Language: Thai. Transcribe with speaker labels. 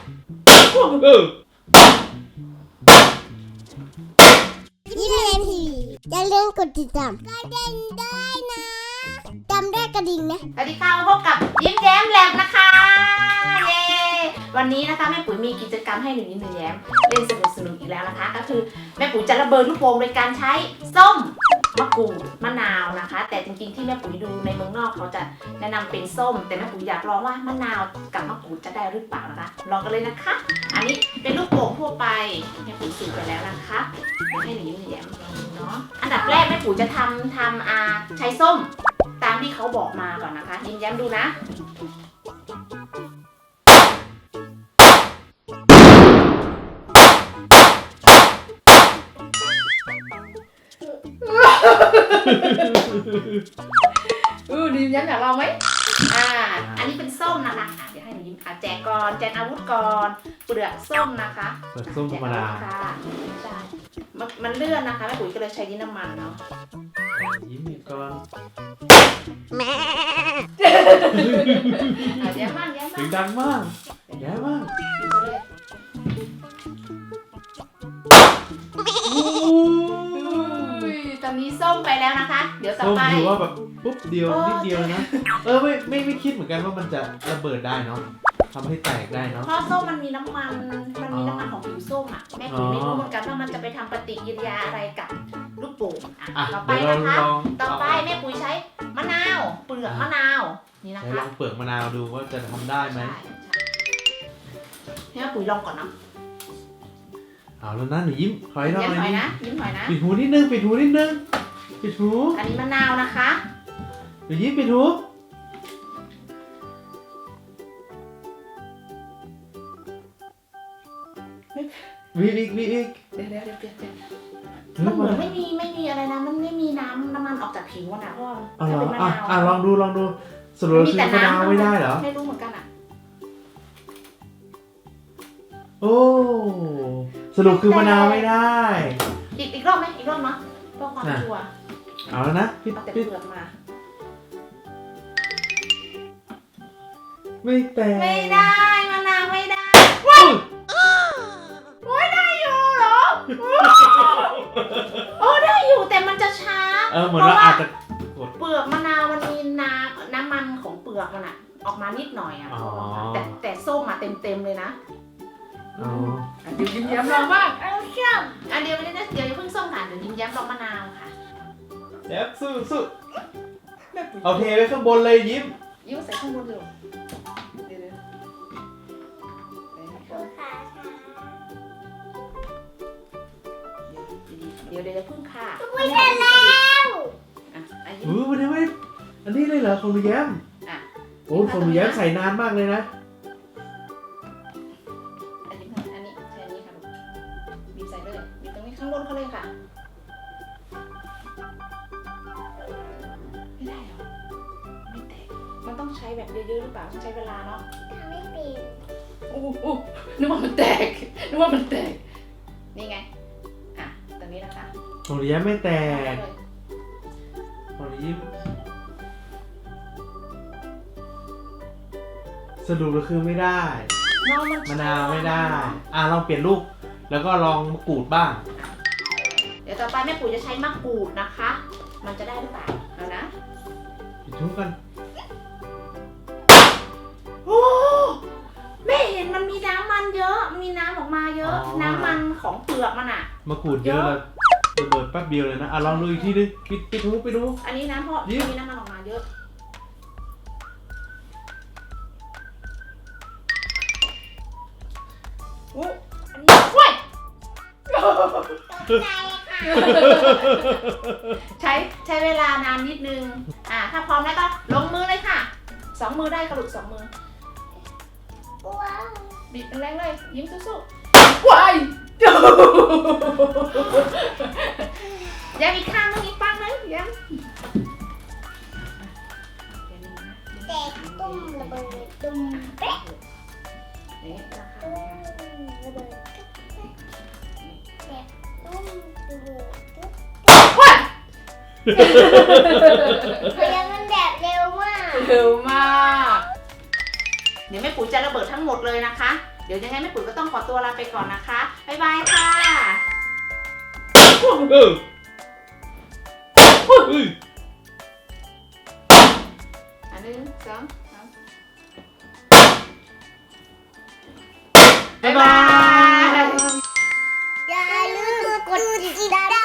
Speaker 1: ยิ้มเล่นทีอย่าลืมกดติดตามกระดิ่งด้วยนะจำได้กระดิ่งนะ
Speaker 2: สวัสดีค่ะพบกับยิ้มแย้มแลบนะคะเย้วันนี้นะคะแม่ปุ๋ยมีกิจกรรมให้หนูยิ้มหนูแย้มเล่นสนุกอีกแล้วนะคะก็คือแม่ปุ๋ยจะระเบิดลูกโป่งโดยการใช้ส้มมะกรูดมะนาวนะคะแต่จริงๆที่แม่ปุ๋ยดูในเมืองนอกเขาจะแนะนำเป็นส้มแต่แม่ปุ๋ยอยากลองว่ามะนาวกับมะกรูดจะได้หรือเปล่านะคะลองกันเลยนะคะอันนี้เป็นลูกโป่งทั่วไปแม่ปุ๋ยสูตรไปแล้วนะคะให้หนูยิ้มหนูแย้มลองดูเนาะอันดับแรกแม่ปุ๋ยจะทำใช้ส้มตามที่เขาบอกมาก่อนนะคะยิ้มแย้มดูนะยิ้มแย้มอยากลองไหมอันนี้เป็นส้มนะคะเดี๋ยวให้หนูยิ้มแจกก่อนแจกอาวุธก่อนเปลือกส้มนะคะ
Speaker 3: เปลือกส้มธรรมดา
Speaker 2: ใช่มันเลื่อนนะคะแม่ปุ๋ยก็เลยใช้ดินน้ำมันเนาะ
Speaker 3: ยิ้มอีกก่อน
Speaker 1: แม่
Speaker 2: แย้มมาก
Speaker 3: เสียงดังมากแย้มมาก
Speaker 2: ตอนนี้ส้มไปแล้วนะคะเดี๋ยวต่อไป
Speaker 3: ส้มถือว่าแบบปุ๊บเดียวนิดเดียวนะไม่คิดเหมือนกันว่ามันจะระเบิดได้เนาะทำให้แตกได้เนาะ
Speaker 2: เพราะส้มมันมีน้ำมันของผิวส้มอ่ะแม่ปุ๋ยไม่รู้เหมือนกันว่ามันจะไปทำปฏิกิริยาอะไรกับลูกโป่งต่อไปนะคะต่อไปแม่ปุ๋ยใช้มะนาวเปลือกมะนาวนี่นะคะ
Speaker 3: ลองเปลือกมะนาวดูว่าจะทำได้ไหม
Speaker 2: ให้แม่ปุ๋ยลองก่อนเนาะ
Speaker 3: เอาแล้วนะหนูยิ้มถอยหน่อย
Speaker 2: นะยิ้มถอยนะ
Speaker 3: ปิดหูนิดนึงปิดหูอัน
Speaker 2: นี้มะนาวนะคะ
Speaker 3: หนูยิ้มปิดหูวีอีก
Speaker 2: เดี๋ยวมันเหมือนไม่มีอะไรนะมันไม่มีน้ำมันออกจากผิวนะเพราะถ้าเป็นมะนาว
Speaker 3: ลองดูสรุปคือมะนาวไม่ได้เหรอ
Speaker 2: ไม่รู้เหมือนกัน
Speaker 3: โอ้สรุปคือมะนาวไม่ได้
Speaker 2: อีกรอบไหมอีกรอบเนาะเพื่อความชัวร์
Speaker 3: เอาแล้วนะ
Speaker 2: เอาแต่เปลือกมา
Speaker 3: ไม่แตก
Speaker 2: ไม่ได้มะนาวไม่ได้ว้าวโอ้ยได้อยู่เหรอโอ้ได้อยู่แต่มันจะช้า
Speaker 3: เหมือนเราอาจจะ
Speaker 2: เปลือกมะนาวมันมีน้ำมันของเปลือกมันออกมานิดหน่อยแต่ส้มเต็มเลยนะเดี๋ยวยิ้มแย้มลองบ้างเดี๋ยวไม่ได้เดี๋ยวอย่าเพิ่งส้มค่ะเดี๋ยวยิ้มแย้มลองมะนาวค่ะ
Speaker 3: แย้มสู้เอาเทไว้ข้างบนเลยยิ้ม
Speaker 2: ใส่ข้างบนเลยเดี๋ยวเพิ่งค่ะ
Speaker 1: ไม่เสร็จแล้ว
Speaker 3: วันนี้ไม่อันนี้เลยเหรอของหนูแย้มโอ้ของหนูแย้มใส่นานมากเลยนะ
Speaker 2: อันนี้ใช้อันนี้ค่ะบีบใส่เลยบีบตรงนี้ข้างบนเขาเลยค่ะไม่ได้หรอไม่แตกมันต้องใช้แบบเยอะๆหรือเปล่าต้องใช้เวลาเนาะ
Speaker 1: ไม่เป็น
Speaker 2: โอ้นึกว่ามันแตกนี่ไงตรงนี้นะคะ
Speaker 3: ของหนูแย้มไม่แตกของหนูยิ้มสรุปก็คือไม่ได้มะนาวไม่ได้ลองเปลี่ยนลูกแล้วก็ลองมะกรูดบ้าง
Speaker 2: เดี๋ยวต่อไปแม่ปุ๋ยจะใช้มะกรูดนะคะมันจะได้หรือเปล่าเอานะ
Speaker 3: ปิดทุกกัน
Speaker 2: โอ้แม่เห็นมันมีน้ำมันเยอะมีน้ำออกมาเยอะน้ำมันของเปลือกมัน
Speaker 3: มะกรูดเยอะเลยระเบิดแป๊บเดียวเลยนะลองดูอีกทีนึงปิดหูไปดู
Speaker 2: อันนี้นะเพราะมีน้ำมันออกมาเยอะอันนี้ว้ายใช้เวลานานนิดนึงถ้าพร้อมแล้วก็ลงมือเลยค่ะ2 มือได้กระดุก2 มือบิดแรงเลยยิ้มสู้ๆว้ายยังอีกข้างนึงอีกปังนึงยัง
Speaker 1: แตกตุ้มระเบิดตุ้มเป๊ะระเบิดแตกตุ้มระเบิด
Speaker 2: ว้าย
Speaker 1: มันแบบเร็วมาก
Speaker 2: เดี๋ยวแม่ปุ๋ยจะระเบิดทั้งหมดเลยนะคะเดี๋ยวยังไงแม่ปุ๋ยก็ต้องขอตัวลาไปก่อนนะคะบ๊ายบายค่ะ
Speaker 3: เออเฮ้ย
Speaker 2: 1 2 3
Speaker 3: บ๊ายบาย
Speaker 1: อย่าลืมกดติดตาม